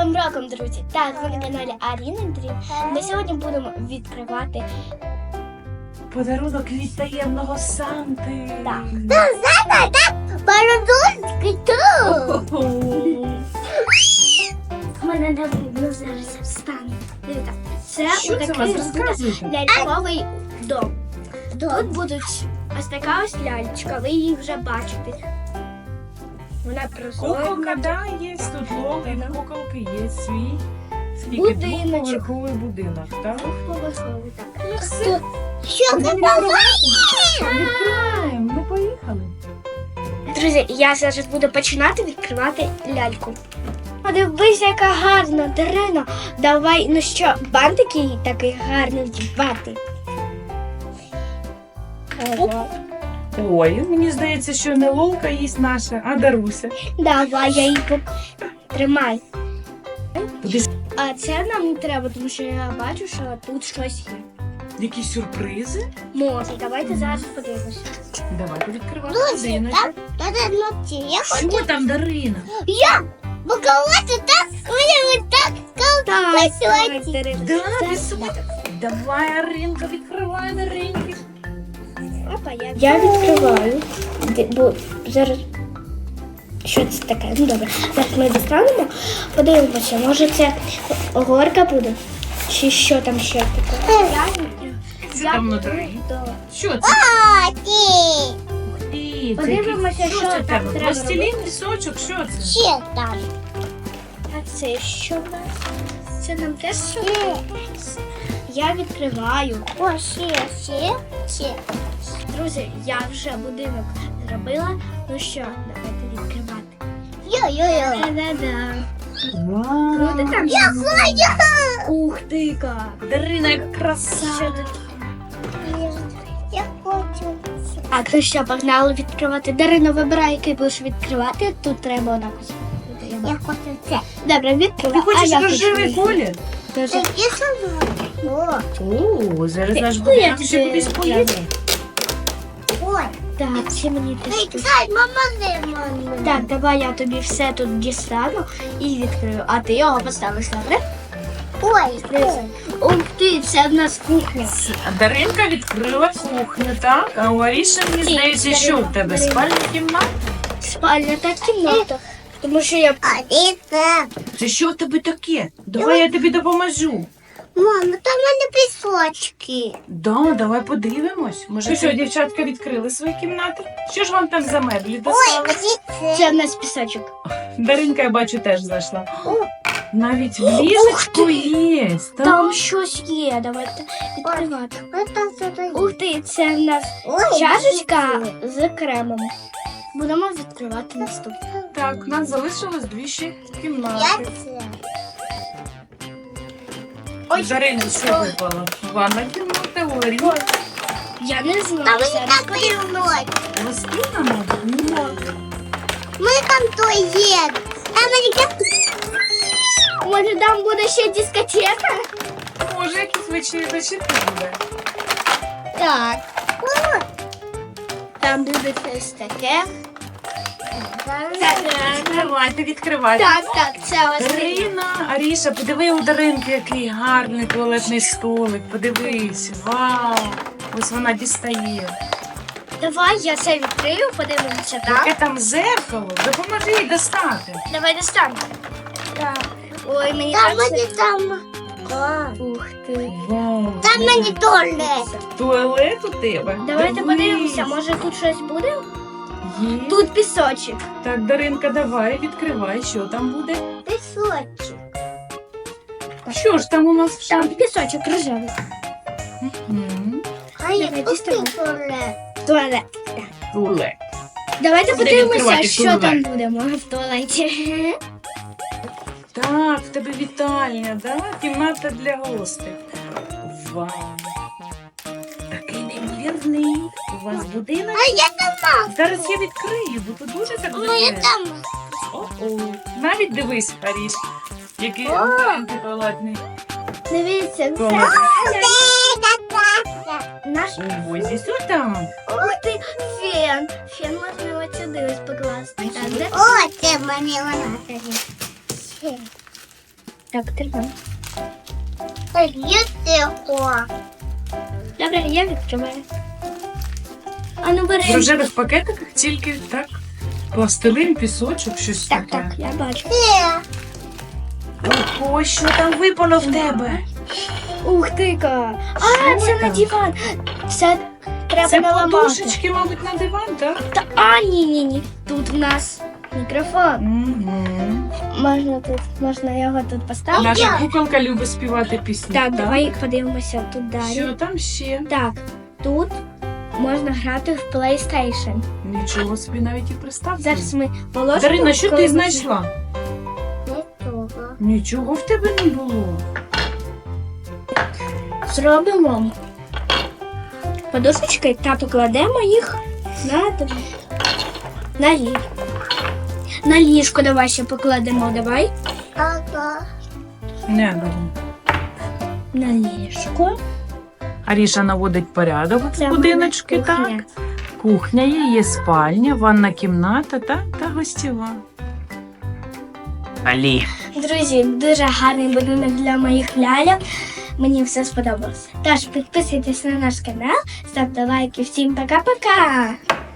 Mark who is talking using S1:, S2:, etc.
S1: Новим роком, друзі! Так, ви на каналі Аріна Дрім. Ми сьогодні будемо відкривати
S2: подарунок від таємного Санти.
S1: Так.
S3: Парадольський тут.
S1: У мене не видно, зараз я встану. Дивіться, це
S2: Що це у вас? Розказуйте.
S1: ляльковий дом. Тут будуть ось така ось ляльчка, ви її вже бачите. Вона прозора.
S2: Куколка, да, є тут логи, куколки є свій. Скільки?
S1: Будиночок.
S2: Двоповерховий будинок, так?
S1: Двохповерховий, так.
S2: Ну все,
S3: Що ти
S2: відкриваємо, ми поїхали.
S1: Друзі, я зараз буду починати відкривати ляльку. Подивись, яка гарна Дарина. Давай, ну що, бантик їй такий гарний вдівати.
S2: Ой, мені здається, що не лолка їсть наша, а Даруся.
S1: Давай, я її тримай.
S2: Туди
S1: А це нам не треба, тому що я бачу, що тут щось є.
S2: якісь сюрпризи.
S1: Може, давайте зараз подивимося.
S2: Давайте відкривати
S3: Друзі,
S2: будиночок.
S3: Та ночі. Я хочу.
S2: Що там, Дарина?
S3: Букалати так, мені так
S1: Так, Дарина.
S2: Да, давай, Аринка, відкривай, Даринки.
S1: Опа, я відкриваю. Бо зараз. Що це таке? Ну добре. Зараз ми дістанемо, подивимося, може це горка буде? Чи що там ще таке?
S2: Це там внутрі. Що це?
S3: Такі.
S2: Ух ти,
S1: Подивимося,
S2: що
S1: що
S2: це
S1: там
S2: тебе?
S1: треба
S2: Пластилін, пісочок, що це?
S3: Ще там.
S1: А це що в нас? Це нам теж що? Я відкриваю.
S3: О, ще.
S1: Друзі, я вже будинок зробила. Ну що, давайте відкривати.
S3: Йо-йо-йо.
S1: Да-да-да.
S2: Вау.
S1: Круто там.
S3: Я хочу.
S1: Ух ти-ка.
S2: Дарина, яка краса.
S1: Що тут?
S3: Я хочу.
S1: Так, ну що, погнали відкривати. Дарина, вибирай, який будеш відкривати. Тут треба однаково.
S3: Я хочу це.
S1: Добре, відкривай.
S2: Ти хочеш
S1: я
S2: рожевий
S1: хочу.
S2: колір?
S1: Дуже.
S3: Я сама.
S2: О, зараз наш
S1: Ти-
S2: будинок
S1: ти-
S2: ще кудись поїде.
S3: Ой.
S1: Так, це мені теж.
S3: Ей, Ксай, мама.
S1: Так, давай я тобі все тут дістану і відкрию. А ти його поставиш, добре?
S3: Ой.
S1: Ух ти, це в нас кухня.
S2: А Даринка відкрила кухню, так? А у Аріші, мені здається, що в тебе? Спальня кімната?
S1: Спальня та кімната. Тому що я
S3: А це.
S2: Це що в тебе таке? Давай я тобі допоможу.
S3: Мама, там в мене пісочки.
S2: Да, давай подивимось. Може, що, дівчатка відкрили свої кімнати? Що ж вам там за меблі достали?
S1: це в нас пісочок.
S2: Даринка, я бачу, теж зайшла. Навіть в ліжечку є. так?
S1: Там щось є. Давайте відкривати. Ух ти, це в нас чашечка з кремом. Будемо відкривати наступне.
S2: Так, у нас залишилось дві ще
S3: Я
S2: кімнати.
S3: це.
S1: Ой,
S2: Дарина, що випало? Ванна кімната, у Аріни.
S1: Я не знаю.
S3: Там мені
S1: зараз
S3: так
S1: подивимось.
S3: виглядає.
S2: Гостина, мабуть?
S3: Ми там туалет. Там мені так.
S1: Може там буде ще дискотека?
S2: Може, якісь вечірки буде.
S1: Так. Там буде щось таке.
S2: Відкривайте, відкривайте.
S1: Так, це ось.
S2: Дарина, Аріша, подиви у Даринки, який гарний туалетний столик. Подивись, вау. Ось вона дістає.
S1: Давай я це відкрию, подивимося
S2: Яке
S1: так.
S2: там зеркало? Допоможи їй достати.
S1: Давай достанемо. Так. Ой, мені
S3: Там
S1: так
S3: мені
S1: це...
S3: там.
S1: Ух ти.
S2: Вау.
S3: Там мені туалет.
S2: Туалет у тебе?
S1: Давайте
S2: Дивись.
S1: подивимося, може тут щось буде?
S2: Є.
S1: Тут пісочок.
S2: Так, Даринка, давай, відкривай, що там буде.
S3: Пісочок.
S2: Що ж там у нас в
S1: Там
S2: шафі?
S1: пісочок рожевий.
S2: Мгм.
S3: А я
S1: Давай,
S3: тут
S1: діставай.
S3: туалет.
S1: Туалет.
S2: Туалет.
S1: Давайте
S2: Буде
S1: подивимося,
S2: відкривати
S1: що
S2: туалет.
S1: там буде, може в туалеті.
S2: Так, в тебе вітальня, да? Кімната для гостей. Вау. Такий неймовірний. У вас будинок.
S3: А я там.
S2: Зараз я відкрию, бо тут дуже так
S3: Ну я
S2: виглядає.
S3: там.
S2: О-о. Навіть дивись, Аріш, який туалетний.
S1: Дивіться, це
S2: Туалет.
S1: наш.
S2: Ось ось там.
S1: Ух ти, фен. Фен можна ось сюди ось покласти. Так, де?
S3: О, це мені вона тоді.
S1: Так, тримай.
S3: Лютого.
S1: Добре, я відкриваю. А ну бери.
S2: В рожевих пакетиках тільки так. Пластилин, пісочок, щось
S1: Так,
S2: таке.
S1: так, я бачу.
S2: Ой, що там випало в тебе?
S1: Ух ти-ка! А,
S2: Що
S1: це на
S2: там?
S1: диван. Це треба
S2: Це
S1: наламати.
S2: подушечки, мабуть, на диван, так?
S1: Ні. Тут в нас мікрофон.
S2: Угу.
S1: Можна його тут поставити.
S2: Наша куколка любить співати пісні.
S1: Так, давай подивимося тут далі.
S2: Що там ще?
S1: Так, тут можна грати в PlayStation.
S2: Нічого собі навіть і приставки.
S1: Зараз ми положимо.
S2: Дарина, що
S1: коли
S2: ти
S1: ми-
S2: знайшла?
S3: Лютого.
S2: Нічого в тебе не було.
S1: Зробимо подушечки та покладемо їх на ліжко. Давай ще покладемо. Давай
S3: Ага.
S2: Не було.
S1: на ліжко.
S2: Аріша наводить порядок
S1: Це
S2: в будиночки,
S1: буде кухня.
S2: так. Кухня є спальня, ванна кімната та гостєва. Алі.
S1: Друзі, дуже гарний будинок для моїх ляльок. Мені все сподобалося. Тож підписуйтесь на наш канал, ставте лайки. Всім пока-пока!